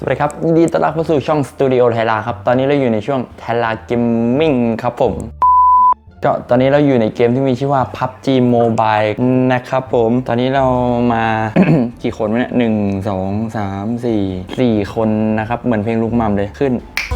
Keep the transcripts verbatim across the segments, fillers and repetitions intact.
สวัสดีครับยินดีต้อนรับเข้าสู่ช่องสตูดิโอไทลาครับตอนนี้เราอยู่ในช่วงไทลาเกมมิ่งครับผมก็ตอนนี้เราอยู่ในเกมที่มีชื่อว่า พับจี Mobile นะครับผมตอนนี้เรามา กี่คนเนี่ยหนึ่งสองสามสี่สี่คนนะครับเหมือนเพลงลูกมัมเลยขึ้น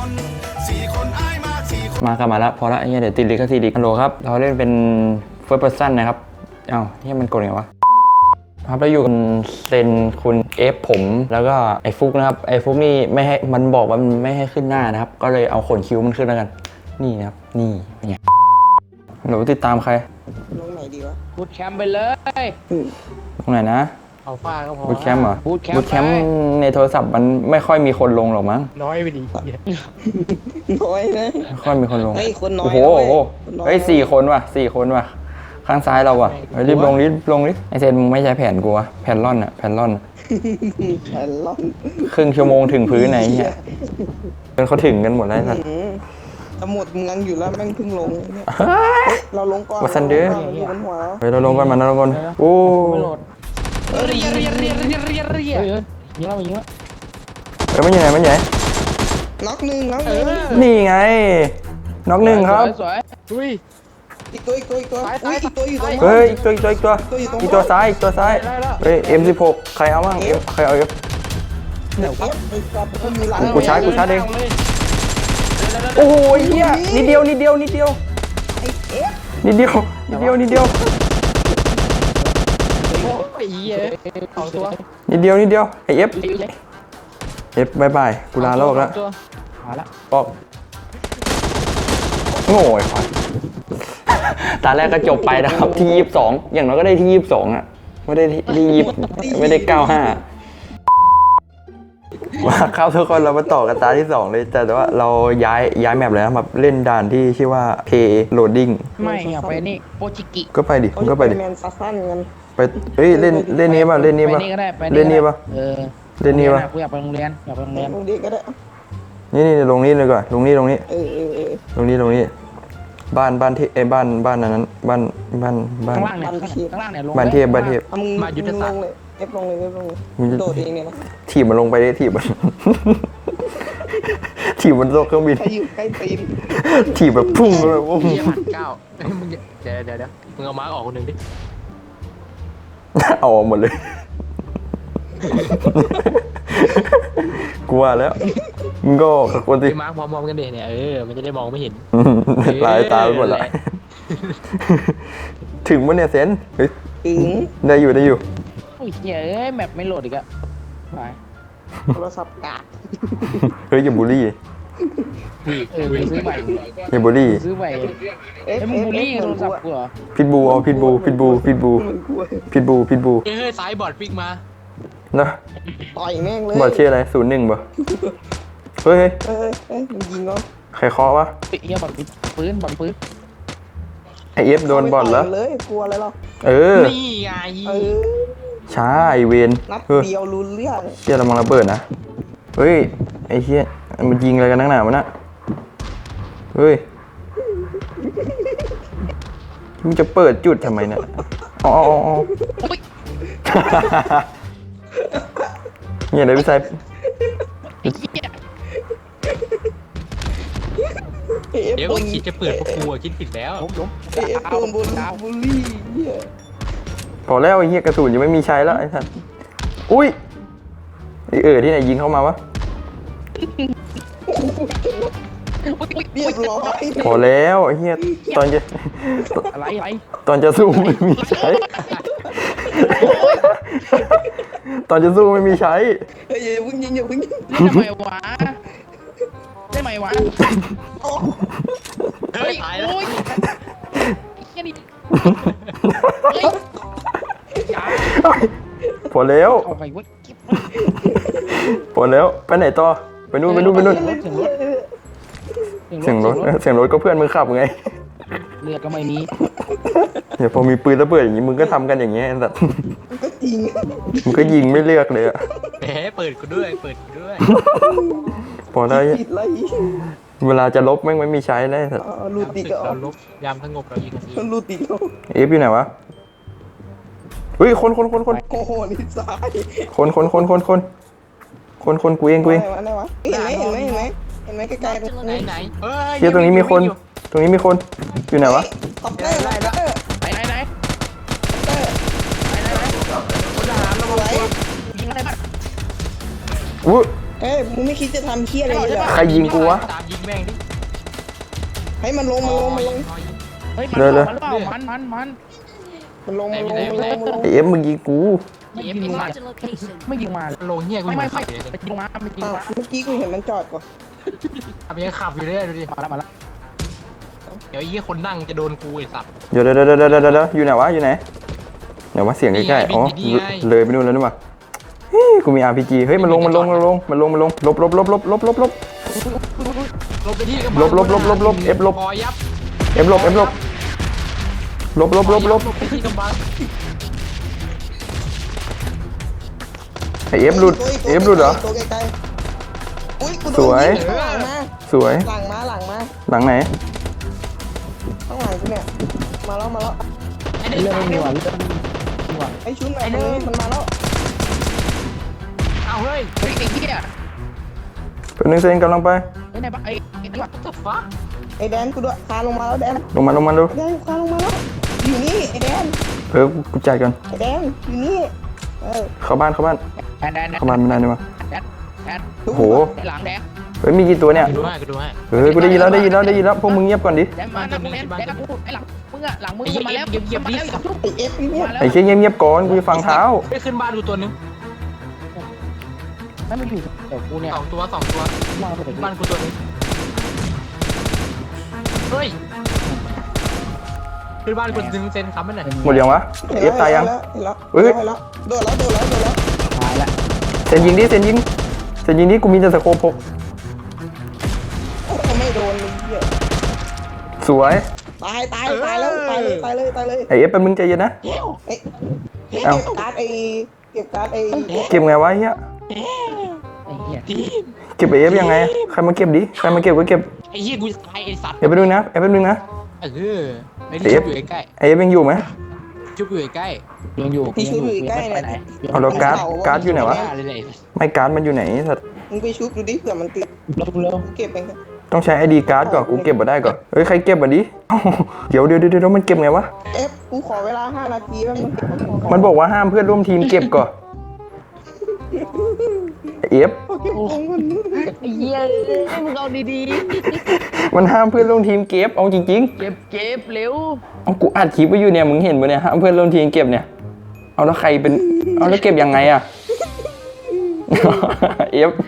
มากันมาแล้วพอละเดี๋ยวติดลิขสิทธิ์อีกฮัลโหลครับเราเล่นเป็น First Person นะครับเอ้าเฮ้ยมันกดยังไงวะครับเราอยู่กันเซนคุณเอฟผมแล้วก็ไอ้ฟุกนะครับไอ้ฟุกนี่ไม่ให้มันบอกว่ามันไม่ให้ขึ้นหน้านะครับก็เลยเอาขนคิ้วมันขึ้นแล้วกันนี่นะครับนี่เป็นไงหนูติดตามใครลงไหนดีวะบูทแคมป์ไปเลยตรงไหนนะเอาฟ้าก็พอบูทแคมป์เหรอบูทแคมป์บูทแคมป์ในโทรศัพท์มันไม่ค่อยมีคนลงหรอกมั้งน้อยไปดิน้อยนะไม่ค่อยมีคนลงเฮ้ยคนน้อยโอ้โหเฮ้ยสี่คนว่ะสี่คนว่ะข้างซ้ายเราอ่ะรีบลงรีบลงรีบไอเซนมึงไม่ใช้แผ่นกูวะแผ่นร่อนอ่ะแผ่นร่อนแผ่นร่อนครึ่งชั่วโมงถึงพื้นไหนเนี่ยเป็นเขาถึงกันหมดแล้วสัตว์จะหมดเมืองอยู่แล้วแม่งเพิ่งลงเนี่ยเราลงก่อนวัสันเดอร์เฮ้ยเราลงกันมาเราลงกันโอ้เรียเรียเรียเรียเรียเรียยิงแล้วยิงแล้วเฮ้ยมันยังไงมันยังไงน็อกหนึ่งน็อกหนึ่งนี่ไงน็อกหนึ่งครับสวยดุยอีกตัวอีกตัวอีกตัวอีกตัวอยู่ตรงเฮ้ยอีกตัวอีกตัวอีกตัวอีกตัวซ้ายอีกตัวซ้ายเฮ้ย เอ็ม สิบหก ใครเอาบ้าง เอ็ม ใครเอา F กูชาร์จกูชาร์จเองโอ้โหเฮียนิดเดียวนิดเดียวนิดเดียวนิดเดียวนิดเดียวนิดเดียวนิดเดียวนิดเดียวไอ F F บายบายกูลาโลกแล้วปอกโง่ไอ้ควายตาแรกก็จบไปนะครับที่ยี่สิบสองอย่างน้อยก็ได้ที่ยี่สิบสองอ่ะไม่ได้ที่ยี่สิบไม่ได้เก้าห้ามาครับทุกคนเรามาต่อกันตาที่สองเลยแต่ว่าเราย้ายย้ายแมปเลยนะมาเล่นด่านที่ชื่อว่า P Loading ไม่อยากไปนี่โปจิกิก็ไปดิก็ไปดิไปเฮ้ยเล่นเล่นนี้ป่ะเล่นนี้ป่ะเล่นนี้ป่ะเออเล่นนี้ป่ะกูอยากไปโรงเรียนอยากไปโรงเรียนโรงเรียนก็ได้นี่นี่ลงนี้เลยก่อนลงนี้ลงนี้เออเออเออลงนี้ลงนี้บ้านบ้านที่ไอ้บ้านบ้านนั้นบ้านบ้านบ้านข้างล่างเนี่ยข้างล่างเนี่ยลงบ้านเทพบ้านเทพมายุทธศาสตร์เอฟลงเลยเอฟลงเลยโดดเองเนี่ยนะถีบมันลงไปได้ถีบมันถีบมันโลกเครื่องบินใครอยู่ใกล้ตีนถีบแบบพุ่งเลยโอ้โหพันเก้ามึงเดี๋ยวเดี๋ยวเดี๋ยวมึงเอามาร์กออกคนหนึ่งดิเอาออกหมดเลยกลัวแล้วมึงก็ขับคนสิมาร์กมองๆกันเดี๋ยวเนี่ยเออมันจะได้มองไม่เห็นลายตาไปหมดละถึงมันเนี่ยเซนถึงได้อยู่ได้อยู่โอ้ยเฮ้ยแมปไม่โหลดอีกอะไปโทรศัพท์กากเฮ้ยอย่าบูลลี่เออซื้อใหม่อย่าบูลลี่ซื้อใหม่เอ้ยมึงบูลลี่โทรศัพท์กูเหรอพิทบูเอาพิทบูพิทบูพิทบูพิทบูพิทบูเฮ้ยสายบอดฟิกมานะต่อยแม่งเลยบอดชื่ออะไรศูนย์หนึ่งป่ะเฮ้ยเฮ้ยเฮ้ยมึงยิงเหรอใครเคาะวะเฮียบอดปืนบอดปืนไอเอฟโดนบอลแล้วเลยกลัวอะไรหรอเออนี่ไงช้าไอเวนนัดเดียวรู้เรื่องเฮียเรามองระเบิดนะเฮ้ยไอเฮียมันยิงอะไรกันนักหนาวะน่ะเฮ้ยมึงจะเปิดจุดทำไมเนี่ยอ๋ออ๋อเนี่ยเดี๋ยวพี่ชายเดี๋ยวคิดจะเปิดพวกกูคิดผิดแล้วเอฟโดนบูลลี่พอแล้วไอ้เหี้ยกระสุนยังไม่มีใช้แล้วไอ้สัสอุ้ยไอ้เอ๋อที่ไหนยิงเข้ามาวะเรียบร้อยพอแล้วไอ้เหี้ยตอนจะอะไรอะไรตอนจะสู้ไม่มีใช้ตอนจะสู้ไม่มีใช้เฮ้ยอย่าพึ่งยิงอย่าพึ่งยิงทำไมวะได้ไหมวะเฮ้ยตายแล้วแค่นี้พอแล้วพอแล้วไปไหนต่อไปนู่นไปนู่นไปนู่นเสียงรถเสียงรถก็เพื่อนมึงขับไงเลือดก็ไม่มีเดี๋ยวพอมีปืนระเบิดอย่างนี้มึงก็ทำกันอย่างเงี้ยแต่ก็จริงมึงก็ยิงไม่เลือกเลยอะแหมเปิดกูด้วยเปิดกูด้วยพอได้เวลาจะลบแม่งไม่มีใช้เลยสัตว์รูดติก็เราลบยามสงบเรายิงกันทีรูดติก็เอฟอยู่ไหนวะเฮ้ยคนคนคนคนโอ้โหนี่ซ้ายคนคนคนคนคนคคนคนกูเองกูเองอะไรวะเห็นไหมเห็นไหมเห็นไหมเห็นไหมไกลๆตรงไหนนี้ไหนเฮ้ยเฮียตรงนี้มีคนตรงนี้มีคนอยู่ไหนวะคอปเตอร์คอปเตอร์ไหนไหนไหนคอปเตอร์ไหนไหนไหนคนทหารระวังตัวยิงอะไรบ้างอุ้ยเอ้ยมึงไม่คิดจะทำเคี้ยอะไรเลยเหรอใครยิงกูวะตามยิงแม่งดิให้มันลงมันลงมันลงเฮ้ยมันเดี๋ยวเปล่ามันเปล่ามันมันมันมันลงมันลงมันลงมันลงไอเอฟมึงยิงกูไม่ยิงมา Marked a location. ไม่ยิงมาโลเฮียกูไม่ไม่ไม่ขัไม่บเลยไม่ยิงมาไม่ยิงอ้าวมาเมื่อกี้กูเห็นมันจอดก่อนขับยังขับอยู่เลยดูดิมาแล้วมาแล้วเดี๋ยวไอ้เหี้ยคนนั่งจะโดนกูไอ้สัตว์เดี๋ยวเดี๋ยวเดี๋ยวเดี๋ยวเดี๋ยวเดี๋ยวอยู่ไหนวะอยู่ไหนเดี๋ยวว่าเสียงใกล้ๆอ๋อเลยไปนู่นแล้วนี่หว่าเฮ้ยกูมี อาร์ พี จี เฮ้ยมันลงมันลงมันลงมันลงมันลงลบลบลบลบลบลบลบลบไปที่กระลบลบลบลบลบ F ลบพอยับเอฟลบเอฟลบลบลบลบลบลบไปที่กำบังไอเอฟหลุดเอฟหลุดเหรอตัวไกลๆอุ้ยกูโดนสวยยิงข้างหลังมาสวยหลังมาหลังมาหลังไหนข้างหลังกูเนี่ยมาแล้วมาแล้วไอ้เด็กเรื่องตายไม่มีเร็วว่ะเรื่องไม่มีว่ะไอ้ชุนไหนตรงนี้มันมาแล้วเอาเฮ้ยเฮ้ยไอ้เหี้ยเป็นหนึ่งเซนกำลังไปไอ้ไหนบ้างไอ้ไอ้นี่ว่ะ what the fuck ไอ้แดนกูด้วยคานลงมาแล้วแดนลงมาลงมาดูแดนคานลงมาแล้วอยู่นี่ไอ้แดนเออกูจ่ายก่อนไอ้แดนอยู่นี่เออเข้าบ้านเข้าบ้านแอนแอนเข้าบ้านไม่ได้นี่วะแอนแอนโอ้โหหลังแดงเฮ้ยมีกี่ตัวเนี่ยกูดูให้กูดูให้เฮ้ยกูได้ยินแล้วได้ยินแล้วได้ยินแล้วพวกมึงเงียบก่อนดิแดงมาแดงแดงแดงกูไอ้หลังมึงอะหลังมึงไอ้เหี้ยมาแล้วเงียบเงียบมาดิแล้วไอ้เอฟนี่เนี่ยมาแล้วไอ้เชี่ยเงียบเงียบก่อนกูจะฟังเท้าไปขึ้นบ้านดูตัวนึงไม่มาอยู่เดี๋ยวกูเนี่ยสองตัวสองตัวมาเดี๋ยวกูบ้านกูตัวนึงเฮ้ยขึ้นบ้านกูดึงเซนค้ำไปหน่อยหมดยังวะเอฟตายยังเห็นแล้วเฮ้เห็ยนแล้วโดดแล้วโดดแล้วโดดแล้วตายละเซนยิงดิเซนยิงเซนยิงดิกูมีแต่สโคปหกโอ้โหไม่โดนเลยเหี้ยสวยตายตายตายแล้วตายเลยตายเลยตายเลยไอเอฟเป็นมึงใจเย็นนะเอ้ยเก็เอ้าบการ์ดไอ้เก็บการ์ดไอ้เก็บไงวะเฮียไอ้เหี้ยเก็บไอเอฟยังไงใครมาเก็บดิใครมาเก็บก็เก็บไอ้เหี้ยกูจะตายไอ้สัตว์เดี๋ยวไปดูนะเอฟเป็นมึงนะเออไอ้ที่ชุบอยู่ใกล้ไอเอฟยังอยู่ไหมๆชุบอยู่ใกล้ยังอยู่ที่ชุบอยู่ใกล้ไปเนี่ยไหนเอาแล้วการ์ดการ์ดอยู่ไหนวะๆเลยเลยไม่การ์ดมันอยู่ไหนสัตว์มึงไปชุบดูดิเผื่อมันติดเร็วเร็วกูเก็บเองครับต้องใช้ไอดีการ์ดก่อนกูเก็บมาได้ก่อนเฮ้ยใครเก็บมาดิเอ้าเดี๋ยวเดี๋ยวเดี๋ยวเดี๋ยวมันเก็บไงวะเอฟกูขอเวลาห้านาทีแป๊บนึงเก็บของก่อนมันบอกว่าห้ามเพื่อนร่วมทีมเก็บก่อนเอฟเก็บของก่อนไอ้เหี้ยมึงเอาดีมันห้ามเพื่อนร่วมทีมเก็บเอาจริงๆเก็บเก็บเร็วๆเอากูอัดคลิปไว้อยู่เนี่ยมึงเห็นปะเนี่ยห้ามเพื่อนร่วมทีมเก็บเนี่ยเอาแล้วใครเป็นเอาแล้วเก็บยังไงอะเอฟ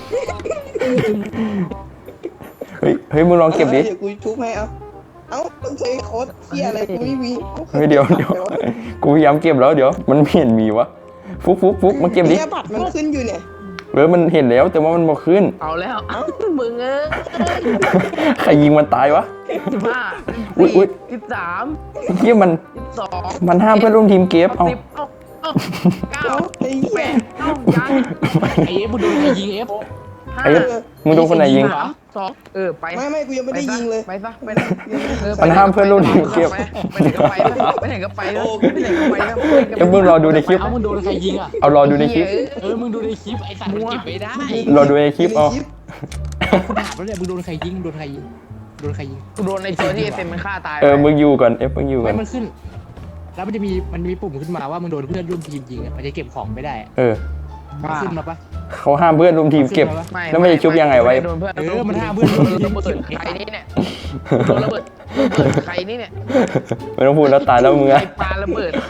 เฮ้ยเฮ้ยมึงลองเก็บดิเดี๋ยวกูชุบให้เอาเอ้าต้องใช้โค้ดเที่ยอะไรกูไม่มีเฮ้ยเดี๋ยวเดี๋ยวกูพยายามเก็บแล้วเดี๋ยวมันไม่เห็นมีวะฟุกฟุกฟุกมาเก็บดิเนี่ยบัตรมันขึ้นอยู่เนี่ยเออมันเห็นแล้วแต่ว่ามันบอกขึ้นเอาแล้วเอ้ามึงเอ้ยใครยิงมันตายวะสิบห้าอุ๊ยอุ๊สี่ยสิบสามเฮียมันสิบสองมันห้ามเพื่อนร่วมทีมเก็บเอาสิบเอ้าเอ้าเก้าเอ้าไอ้เหี้แปยดเอ้ายังไอ้เอฟมึงโดนใครยิงเอฟห้าไอ้เอฟมึงโดนคนไหนยิงสามสองเออไปไม่ไม่กูยังไม่ได้ยิงเลยไปซะไปซะเออมันห้ามเพื่อนร่วมทีมเก็บไปไหนก็ไปไปไหนก็ไปไปไหนก็ไปไปไหนก็ไปเดี๋ยวมึงรอดูในคลิปเอามึงโดนใครยิงอ่ะเอารอดูในคลิปเออมึงดูในคลิปไอ้สัตว์มันเก็บไม่ได้รอดูในคลิปเอากูถามแล้วเนี่ยมึงโดนใครยิงโดนใครยิงโดนใครยิงกูโดนในตัวที่เอฟเอ็มมันฆ่าตายเออมึงอยู่ก่อนเอฟมึงอยู่ก่อไม่นมันขึ้น แล้วมันจะมีมันมีปุ่มขึ้นมาว่ามึงโดนเพื่อนร่วมทีมยิงอ่ะมันจะเก็บของไม่ได้อะเออมันขึ้นมาปะเขาห้ามเพื่อนร่วมทีมเก็บ แล้วมันจะชุบยังไงไว้โดนเพื่อนเออมันห้ามเพื่อนโดนระเบิดใครนี่เนี่ยโดนระเบิดระเบิดใครนี่เนี่ยไม่ต้องพูดแล้วตายแล้วมึงใครอะปาระเบิด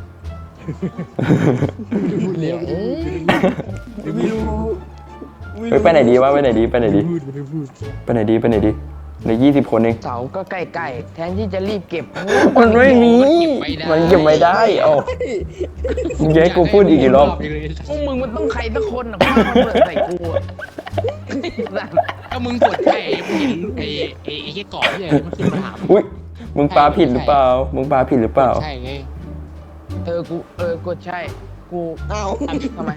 พูดเร็วไม่รู้เฮ้ยไปไหนดีวะไปไหนดีไปไหนดีพูดไม่พูดไปไหนดีไปไหนดีเหลือยี่สิบคนเองเสาก็ใกล้ๆแทนที่จะรีบเก็บมันไม่มีมันเก็บไม่ได้เอ้ามึงจะให้กูพูดอีกกี่รอบพวกมึงมันต้องใครสักคนอ่ะปาระเบิดใส่กูอะก็มึงกดใช่มึงเห็นไอ้ไอ้ไอ้แค่ก่อนที่อะไรมันขึ้นมาถามอุ้ยมึงปาผิดหรือเปล่ามึงปาผิดหรือเปล่าใช่ไงเออกูเออกดใช่กูเอ้าทำไม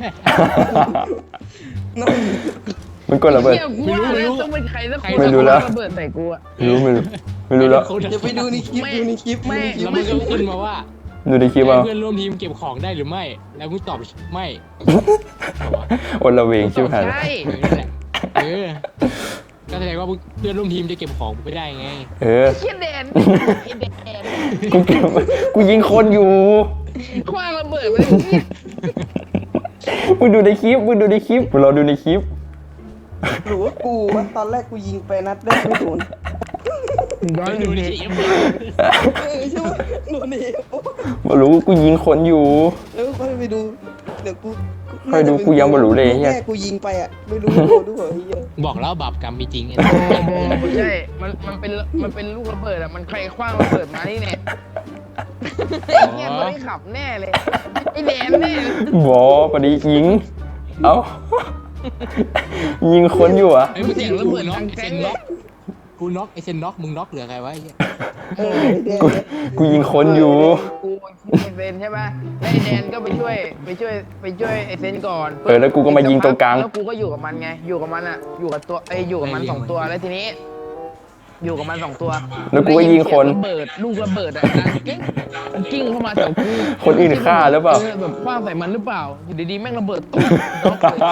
น้องมึงกดระเบิดเหี้ยกูว่าแล้วต้องเป็นใครสักคนไม่รู้แล้วระเบิดใส่กูอะไม่รู้ไม่รู้ไม่รู้แล้วเดี๋ยวไปดูในคลิปดูในคลิปไม่แล้วมันก็ขึ้นมาว่าดูในคลิปเอาเพื่อนร่วมทีมเก็บของได้หรือไม่ แล้วมึงตอบไม่อนละเวงชิบหายใช่เออก็แสดงว่าเพื่อนร่วมทีมจะเก็บของไม่ได้ไงเออเชี่ยแดนไอ้แดนกูเก็บกูยิงคนอยู่คว้างระเบิดไปเลยเนี่ยมึงดูในคลิปมึงดูในคลิปมึงรอดูในคลิปหรือว่ากูวะตอนแรกกูยิงไปนัดแรกไม่โดนย้อนไปดูดูดิดิเออใช่ไหมโดนเองมารู้กูยิงคนอยู่แล้วค่อยไปดูเดี๋ยวกูค่อยดูกูยังไม่รู้เลยเหี้ยแม่กูยิงไปอ่ะไม่รู้ว่าโดนด้วยเฮียบอกแล้วบาปกรรมมีจริงไอ้ไม่ใช่มันมันเป็นมันเป็นลูกระเบิดอะมันใครคว้างระเบิดมานี่เนี่ยไอ้เหี้ยคนที่ขับแน่เลยไอ้แดนแน่เลยบอพอดียิง เอ้า ยิงคนอยู่อ่ะไอ้มึงเสียงระเบิดน็อกไอ้เซนน็อกกูน็อกไอ้เซนน็อกมึงน็อกเหลือใครวะไอ้เหี้ยเออเดี๋ยวกูกูยิงคนอยู่กูไอเซนใช่ป่ะแล้วไอแดนก็ไปช่วยไปช่วยไปช่วยไอเซนก่อนเออแล้วกูก็มายิงตรงกลางแล้วกูก็อยู่กับมันไงอยู่กับมันอะอยู่กับตัวไอยอยู่กับมันสองตัวแล้วทีนี้ อยู่กับมันสองตัวแล้วกูก็ยิงคนระเบิดลูกระเบิดอะดังกิ้งกิ้งเข้ามาแถวกูคนอื่นฆ่าหรือเปล่าแบบคว้างใส่มันหรือเปล่าอยู่ดีๆแม่งระเบิดตุ๊บน็อกเลย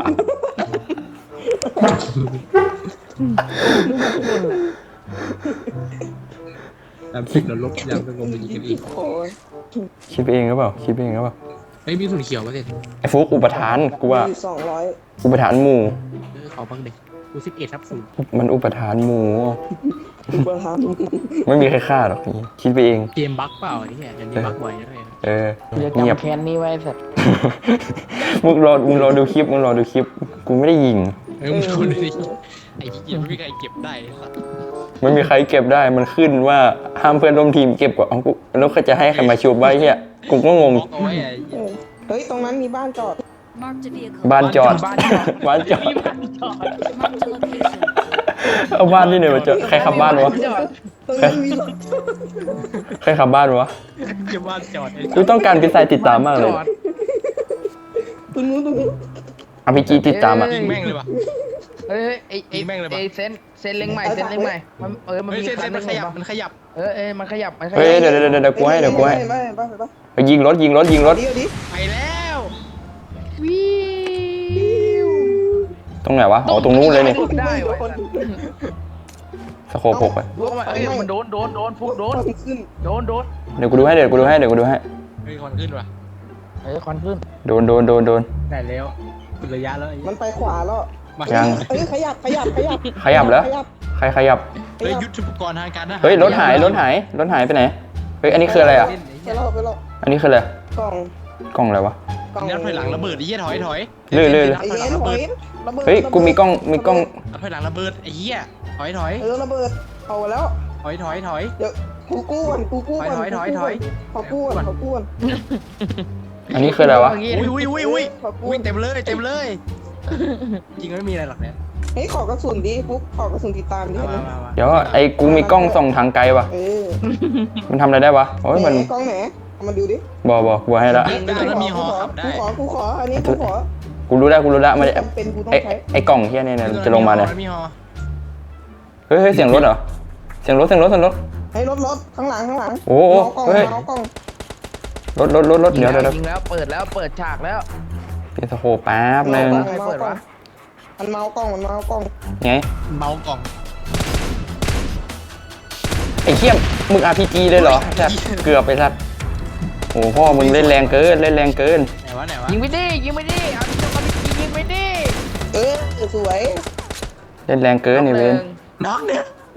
ลูกทุกคนอะตามคลิปเราลบอย่างสงบยิงกันอีกโอ้ยคิดเองหรือเปล่าคิดเองหรือเปล่าเฮ้ยมีส่วนเขียวมาเสร็จไอ้ฟุกอุปทานกูว่าสองร้อยอุปทานหมู่เออขอบ้างเด็กกูสิบเอ็ดทับศูนย์มันอุปทานหมู่กูเบอร์ทไม่มีใครฆ่าหรอกคิดไปเองเกมบั๊กเปล่าไอ้เหี้ยเดี๋ยวนี้บั๊กบ่อยนะเว้ยเออกูจะเงียบจำแค้นนี้ไว้สัตว์มึงรอมึงรอดูคลิปมึงรอดูคลิป กูไม่ได้ยิงเออมึงดูดิไอ้เหี้ยไม่มีใครเก็บได้สัสไม่มีใครเก็บได้มันขึ้นว่าห้ามเพื่อนร่วมทีมเก็บกว่าเอากูแล้วเขาจะให้ใครมาชูบไว้เฮียกูก็งงบล็อกเอาไว้ไอ้ำเออเฮ้ยตรงนั้นมีบ้านจอด Marked a vehicle. บ้านจอดบ้านจอดบ้านจอด Marked a location. เอาบ้านที่ไหนมาจอดใครขับบ้านวะจอดตรงนั้นมีรถจอดใครขับบ้านวะเก็บบ้านจอดไอ้กูต้องการพิซซ่าติดตามมากเลยจอดตรงนู้นตรงนู้นอพีจีติดตามอ่ะยิงแม่งเลยว่ะเฮ้ยเฮ้ยไอ้ไอ้ยิงแม่งเลยปะไอ้เซนเซนเล็งใหม่เซนเล็งใหม่มันเออมันเฮ้ยมีเส้นเส้นมันขยับคัมันขยับเออเออมันขยับมันขยัเฮ้ยเดี๋ยวเดี๋ยวเดี๋ยวเดี๋ยวกูให้เดี๋ยวกูให้ไปไปไปไปไปยิงรถยิงรถยิงรถเดี๋ยวดิไปแล้ววิวตรงไหนวะอ๋อตรงนู้นเลยนี่ได้วะสโคปหกไปฟุกมาเอ้ยมันโดนโดนโดนฟุกโดนขึ้นโดนโดนเดี๋ยวกูดูให้เดี๋ยวกูดูให้เดี๋ยวกูดูให้เฮ้ยควันขึ้นว่ะเออควันขึ้นโดนโดนโดนโดนได้แล้วเป็นระยะแล้วไอ้มันไปขวาแล้วมายังเอ้ยขยับขยับขยับขยับแล้วขยับใครขยับขเฮ้ยยับยุทธปกรณ์ทางการทหารเฮ้ยรถหายรถหายรถหายไปไหนเฮ้ยอันนี้คืออะไรอ่ะไปแล้วไปแล้วอันนี้คืออะไรกล่องกล้องอะไรวะกล่องนัดถอยหลังระเบิดไอ้เหี้ยถอยถอยเรื่อยเรื่อยไอ้เอ็นถอยระเบิดเฮ้ยกูมีกล้องมีกล้องนัดถอยหลังระเบิดไอ้เหี้ยถอยถอยเออระเบิดเอาแล้วถอยถอยถอยเดี๋ยวกูกู้ก่อนกูกู้ก่อนถอยถอยถอยขอกู้ก่อนขอกู้ก่อนอันนี้คืออะไรวะอุ้ยอุ้ยอุ้ยอุ้ยขอกู้อุ้ยเต็มเลยเต็มเลยจริงไม่มีอะไรหรอกเนี่ยเฮ้ยขอกระสุนดิฟุกขอกระสุนติดตามดิมามามามาเดี๋ยวไอ้กูมีกล้องส่องทางไกลวะเออมันทำอะไรได้วะโอ้ยมันไหกล้องไหนเอามาดูดิบอบอกูให้ละยิงได้แล้วมีหอขับได้กูขอกูขออันนี้กูขอกูรู้แล้วกูรู้แล้วมันจำเป็นกูต้องไอ้ใช้ไอ้กล่องเฮียเนี่ยเนี่ยจะลงมาเนี่ยมีหอเฮ้ยเฮ้ยเสียงรถเหรอเสียงรถเสียงรถเสียงรถให้รถรถข้างหลังข้างหลังโอ้โหเมากล้องเฮ้ยเมากล้องรถรถรถรถเดี๋ยวเดี๋ยวเดี๋ยวยิงแล้วเปิดแล้วเปิดฉากแล้วเปลี่ยนสโคปแป๊บนึงใครเปิดวะมันเมากล้องมันเมากล้องไงเมากล่องไอ้เขี้ยมมึง อาร์ พี จี เลยเหรอสัตว์เกือบไปสัตว์โอ้พ่อมึงเล่นแรงเกินเล่นแรงเกินไหนวะไหนวะยิงไม่ได้ยิงไม่ได้เอาที่จะมายิงไม่ได้เออสวยเล่นแรงเกินนี่เว้นน็อกเนี่ย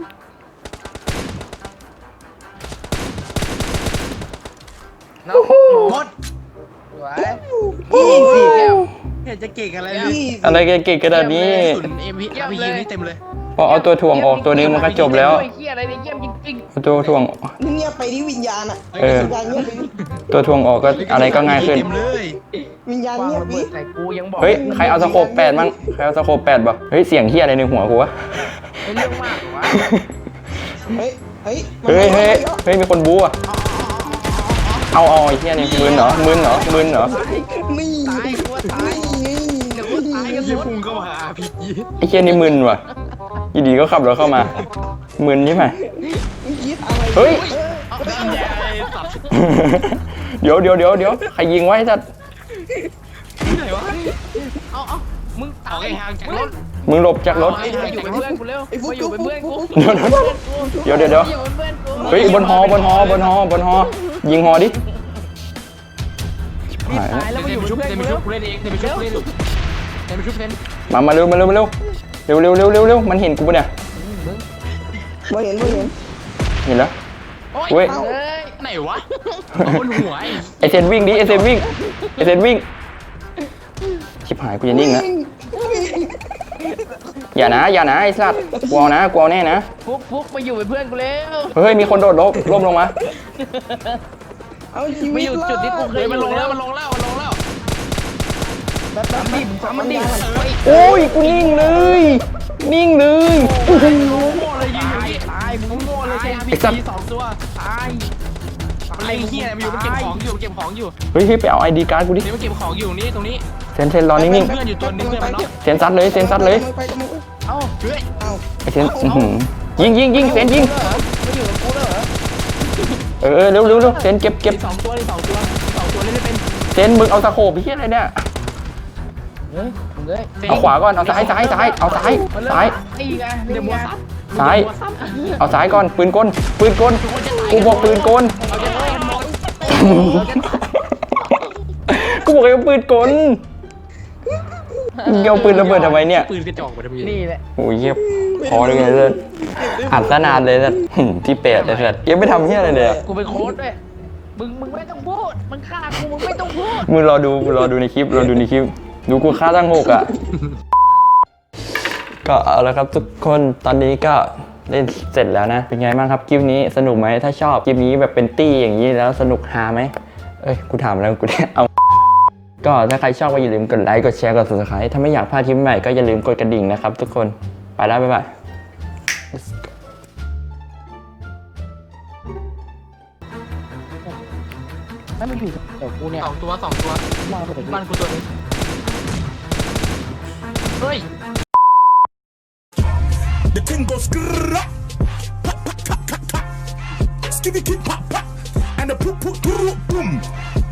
น้องหมดสวยยี่สิบแก้วเห็นจะเก่งอะไรเลยยี่สิบอะไรเก่งๆกระดาษนี้สุนเอ็มพีอาร์พียูนี่เต็มเลยพอเอาตัวถ่วงออกตัวนึงมันก็จบแล้วไอ้เหี้ยอะไรเนี่ยเยี่ยมจริงเอาตัวถ่วงนี่เงียบไปที่วิญญาณอ่ะเออวิญญาณเงียบไปดิตัวถ่วงออกก็อะไรก็ง่ายขึ้นเต็มเลยวิญญาณๆวางเงียบระไปเบิดใส่กูยังบอกเฮ้ยใครเอาสโคปแปดมั้งใครเอาสโคปแปดบ่เฮ้ยเสียงเฮียอะไรในหัวกูวะไม่เรื่องมากเหรอวะเฮ้ยเฮ้ยเฮ้ยเฮ้ยเฮ้ยมีคนบู๊อะเอาเอาไอ้เฮียนี่มึนเหรอมึนเหรอมึนเหรอนี่ตายกูว่าตายนี่เดี๋ยวกูตายกันหยี่มดพุ่งเข้ามาหาอาร์พีจีไอ้เฮียนี่มึนว่ะอยีดีก็ขับรถเข้ามามึนใช่ไหมมึงคิดอะไรเฮ้ยเอาไปแย่ไอ้สัตว์เดี๋ยวเดี๋ยวเดี๋ยวเดี๋ยวใครยิงไว้สัตว์ที่ไหนวะเอาเอามึงออกไอ้ห่างจากรถมึงหลบจากรถมาอยู่เป็นเพื่อนกูเร็วมาอยู่เป็นเพื่อนกูเดี๋ยวเดี๋ยวเดี๋ยวเดี๋ยวมาอยู่เป็นเพื่อนกูเฮ้ยบนหอบนหอบนหอบนหอยิงหอดิชิบหายแล้วตายแล้วมาเดอยู่นเป็นชุบเพื่อนเดนกูชุเร็วบกูเล่นเองเดนชุบกูเล่นเดนชุบเล่นมามาเร็วมาเร็วมาเร็วเร็วเร็วเร็วเร็วเร็วมันเห็นกูปะเนี่ยไม่เห็นไม่เห็นเห็นแล้วโอ้เว้ยยเฮ้ยไหนวะบนหัวไอ้ไอเซนวิ่งดิไอเซนวิ่งไอเซนวิ่งชิบหายกูจะนิ่งแล้วอย่านะอย่านะไอ้สัตว์กลัวนะกลัวแน่นะฟุกฟุกมาอยู่เป็นเพื่อนกูเร็วเฮ้ยมีคนโดดล้มล้มลงมาเอาชีมาวิตอยู่จุดที่กูเคเฮ้ยยอมันลยู่งแล้แล้ว วมันลงแล้วมันลงแล้วแบบแบบทำดิทำมันดิโอ้ยกูนิ่งเลยนิ่งเลยโง่เลยยิงอย่างนี้ตายมึงโง่เลยใช่ไหมไอ้สัตว์สองตัวตายไอ้เหี้ยมันอยู่มันเก็บของอยู่เก็บของอยู่เฮ้ยเฮ้ยไปเอาไอดีการ์ดกูดินี่มันเก็บของอยู่นี่ตรงนี้เซนเซนรอนิ่งเพื่อนอยู่ตัวนึงเพื่อนมันเนาะๆเซนซัดเลยเซนซัดเลยไปกำลังไปเอ้าเฮ้ยเอาไอเซนอื้อหือยิงยิงยิงเซนยิงมาอยู่กับกูแล้วเหรอเออเออเร็วเร็วเร็วเซนเก็บเก็บมีสองตัวมีสองตัวมีสองตัวเล่นไม่เป็นเซนมึงเอาตะโขบไปเฮียอะไรเนี่ยเฮ้ยมึงเอ้ยเอาขวาก่อนเอาซ้ายซ้ายซ้ายเอาซ้ายซ้ายนี่ไงเดี๋ยวมัวซับซ้ายมัวซับเอาซ้ายก่อนปืนกลปืนกลกูบอกปืนกลเราจะได้กันหมดกูบอกให้เอาปืนกลมึงเอาปืนระเบิดทำไมเนี่ยปืนกระจอกมาทำไมนี่แหละโอ้ยเยียบพอเลยไงเลยอัดซะนานเลยสัสหึ่มที่เป็ดเลยสัสยังไม่ทำเฮียอะไรเลยอะกูเป็นโค้ดด้วยมึงมึงไม่ต้องพูดมึงฆ่ากูมึงไม่ต้องพูดมึงรอดูมึงรอดูในคลิปรอดูในคลิปดูกูฆ่าตั้งหกอ่ะ ก็เอาละครับทุกคนตอนนี้ก็เล่นเสร็จแล้วนะ เป็นไงบ้างครับคลิปนี้สนุกไหมถ้าชอบคลิปนี้แบบเป็นตี้อย่างนี้แล้วสนุกฮาไหมเอ้ยกูถามแล้วกูเนี่ยเอา ก็ถ้าใครชอบก็อย่าลืมกดไลค์กดแชร์กด ซับสไครบ์ ถ้าไม่อยากพลาดคลิปใหม่ก็อย่าลืมกดกระดิ่งนะครับทุกคนไปแล้วบ๊ายบายให้มันอยู่เดี๋ยวกูเนี่ยสองตัวสองตัวมาเถอะบ้านกูตัวนึงเฮ้ย The thing goes skrrrra, pop, pop, pop, pop, pop. Skitty, pop, pop, and the poop, poop, poop, boom.